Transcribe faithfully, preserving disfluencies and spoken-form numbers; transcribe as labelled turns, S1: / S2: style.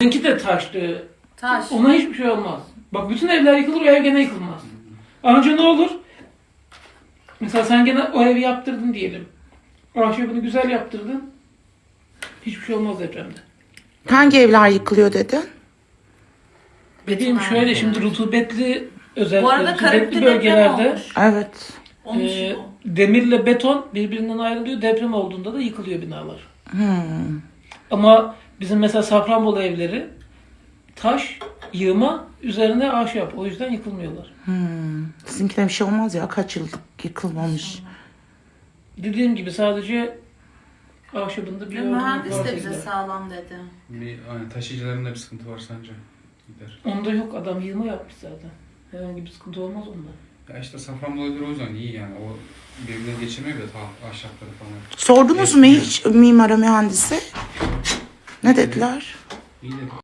S1: Benimki de taştı.
S2: Taş.
S1: Ona hiçbir şey olmaz. Bak bütün evler yıkılır, o ev gene yıkılmaz. Anca ne olur? Mesela sen gene o evi yaptırdın diyelim. Ahşabını güzel yaptırdın. Hiçbir şey olmaz depremde.
S3: Hangi evler yıkılıyor dedin?
S1: Dediğim
S2: Beton
S1: şöyle
S2: evler.
S1: şimdi rutubetli özellikle
S2: Bu arada
S1: rutubetli
S2: Karabük'te deprem
S1: bölgelerde
S2: olmuş.
S3: Evet.
S2: Olmuş
S1: e,
S2: mu?
S1: demirle beton birbirinden ayrılıyor. Deprem olduğunda da yıkılıyor binalar.
S3: Hmm.
S1: Ama bizim mesela Safranbolu evleri taş, yığma, üzerine ahşap. O yüzden yıkılmıyorlar.
S3: Hmm. Sizinkine bir şey olmaz ya. Kaç yıllık yıkılmamış.
S1: Dediğim gibi sadece ahşabında bir
S2: Ve
S1: yorgunluk
S2: mühendis
S1: varsa
S2: de bize
S1: gider.
S2: sağlam dedi.
S4: Bir hani taşıyıcılarında bir sıkıntı var sence? Gider.
S1: Onda yok, adam yığma yapmış zaten. Herhangi bir sıkıntı olmaz onda.
S4: Ya işte Safranbolu evleri o yüzden iyi yani. O birbirine geçirmiyor da ta ahşapları falan.
S3: Sordunuz mu hiç mimara mühendisi? Ne dediler?
S4: İyi de